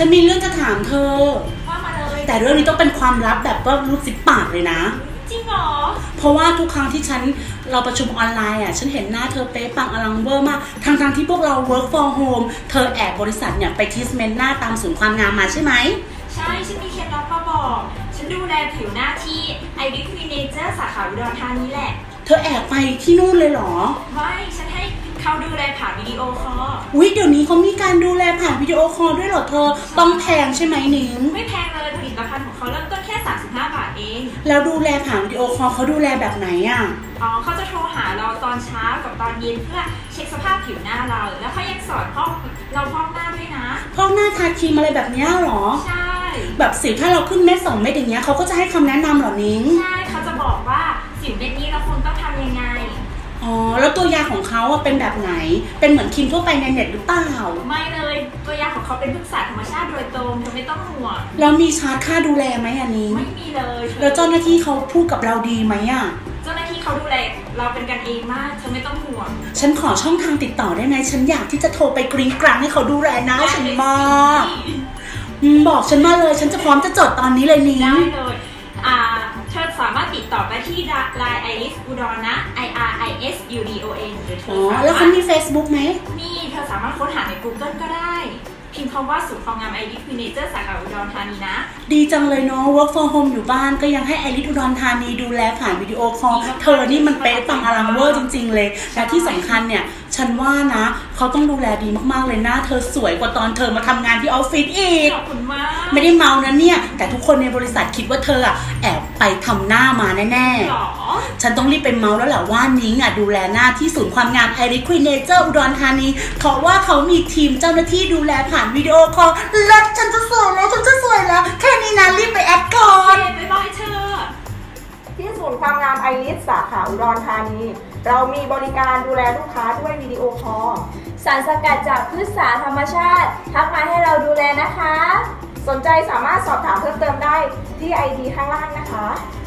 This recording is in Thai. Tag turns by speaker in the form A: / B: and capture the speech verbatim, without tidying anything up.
A: ฉันมีเรื่องจะถามเธอ
B: ว่ามาเลย
A: แต่เรื่องนี้ต้องเป็นความลับแบบว่ารูดซิปปากเลยนะ
B: จริงเหรอ
A: เพราะว่าทุกครั้งที่ฉันเราประชุมออนไลน์อ่ะฉันเห็นหน้าเธอเป๊ะปังอลังเวอร์มากทั้งทที่พวกเรา work from home เธอแอบบริษัทเนี่ยไปทิสเมนต์หน้าตามศูนย์ความงามมาใช่ไหม
B: ใช่ฉันมีเคล็ดลับมาบอกฉันดูแลผิวหน้าที่ Iris Vinegar สาขาอุดรธานีแหละ
A: เธอแอบไปที่นู่นเลยเหรอ
B: ไม่ฉันให้เขาดูแลผ่านวิดีโอคอล
A: อุ๊ยเดี๋ยวนี้เขามีการดูแลผ่านวิดีโอคอลด้วยเหรอเธอต้องแพงใช่ไหมนิ้ง
B: ไม่แพงเลยผลิตภัณฑ์ของเขาเริ่มต้นแค่สามสิบห้าบาทเอง
A: แล้วดูแลผ่านวิดีโอคอลเขาดูแลแบบไหนอ่ะ
B: อ๋อเขาจะโทรหาเราตอนเช้ากับตอนเย็นเพื่อเช็คสภาพผิวหน้าเราแล้วเขายังสอนพอกเราพอกหน้าด้วยนะ
A: พอกหน้าทาครีมอะไรแบบนี้เหรอ
B: ใช่
A: แบบสิวถ้าเราขึ้นเม็ดสองเม็ดอย่างเงี้ยเขาก็จะให้คำแนะนำเหรอนิ้ง
B: ใช่เขาจะบอกว่าสิวเม็ดนี้เราควรต้องทำยังไง
A: อ๋อแล้วตัวยาของเขาเป็นแบบไหนเป็นเหมือนครีมทั่วไปในเน็ตหรือเปล่า
B: ไม่เลยตัวยาของเขาเป็นพฤกษาธรรมชาติโดยตรงเธอไม่ต้องห่วง
A: แล้วมีชาร์จค่าดูแลไหมอันนี้
B: ไม่มีเลย
A: แล้วเจ้าหน้าที่เขาพูดกับเราดีไหมอ่ะ
B: เจ้าหน้าที่เขาดูแลเราเป็นกันเองมากเธอไม่ต้องห่วง
A: ฉันขอช่องทางติดต่อได้ไหมฉันอยากที่จะโทรไปกริ้งกรังให้เขาดูแลนะฉันมากบอกฉันมาเลยฉันจะพร้อมจะจดตอนนี้เลยนิ้ง
B: ได้เลยอ่าเธอสามารถติดต่อไปที่ ไลน์ Iris อุดรนะ I R I S U D O N หรือเธอสามารถ
A: แล้วเขามี Facebook ไหม
B: มีเธอสามารถค้นหาใน Google ก็ได้พิมพ์คำว่าศูนย์ความงาม Iris Vinegar สาขาอุดรธานีนะ
A: ดีจังเลยเนาะ work from home อยู่บ้านก็ยังให้ Iris อุดรธานีดูแลผ่านวิดีโอคอลเธอนี่มันเป๊ะปังอลังเวอร์จริงๆเลยและที่สำคัญเนี่ยฉันว่านะเขาต้องดูแลดีมากๆเลยนะเธอสวยกว่าตอนเธอมาทำงานที่ออฟฟิศอีก
B: ขอบคุณมาก
A: ไม่ได้เมานะเนี่ยแต่ทุกคนในบริษัทคิดว่าเธออะแอบไปทำหน้ามาแน่ๆฉันต้องรีบไปเมาแล้วแหละว่านิ้งอะดูแลหน้าที่ศูนย์ความงาม Iris Vinegar อุดรธานีเพราะว่าเขามีทีมเจ้าหน้าที่ดูแลผ่านวิดีโอคอลแล้วฉันจะสวยแล้วฉันจะสวยแล้วแค่นี้นะรีบไปแอดก่อน
B: บ๊ายบายเธอ
C: ที่ศูนย์ความงามไอริสสาขาอุดรธานีเรามีบริการดูแลลูกค้าด้วยวิดีโอคอล
D: สารสกัดจากพืชสาธรรมชาติทักมาให้เราดูแลนะคะ
C: สนใจสามารถสอบถามเพิ่มเติมได้ที่ไอดีข้างล่างนะคะ